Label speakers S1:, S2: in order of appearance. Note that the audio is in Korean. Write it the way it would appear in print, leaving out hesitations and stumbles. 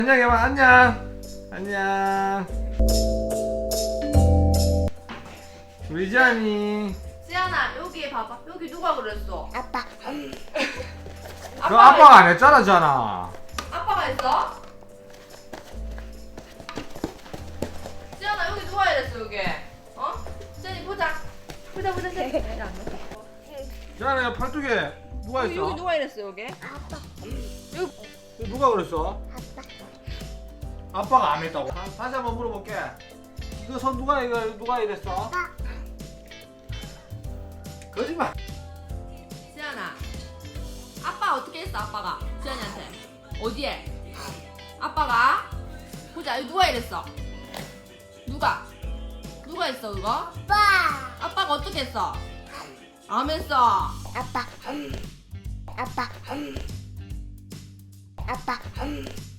S1: 안녕 해봐. 안녕. 안녕. 우리 지안이.
S2: 지안아 여기 봐봐. 여기 누가 그랬어?
S3: 아빠.
S1: 그 아빠가 안 했잖아, 지안아.
S2: 아빠가 했어? 지안아 여기 누가 이랬어 여기? 어? 지안이 보자. 보자 지안이.
S1: 지안아 팔뚝에 누가
S2: 여기
S1: 했어?
S2: 누가 이랬어 여기?
S3: 아빠.
S1: 여기 누가 그랬어?
S3: 아빠.
S1: 아빠가 안 했다고? 다시 한번 물어볼게. 이거 손 누가 이랬어?
S3: 아빠.
S1: 거짓말.
S2: 지안아 아빠 어떻게 했어 아빠가 지안이한테 어디에? 아빠가 보자 여기 누가 이랬어? 누가 했어 그거?
S3: 아빠.
S2: 아빠가 어떻게 했어? 안 했어.
S3: 아빠. 아빠. 아빠.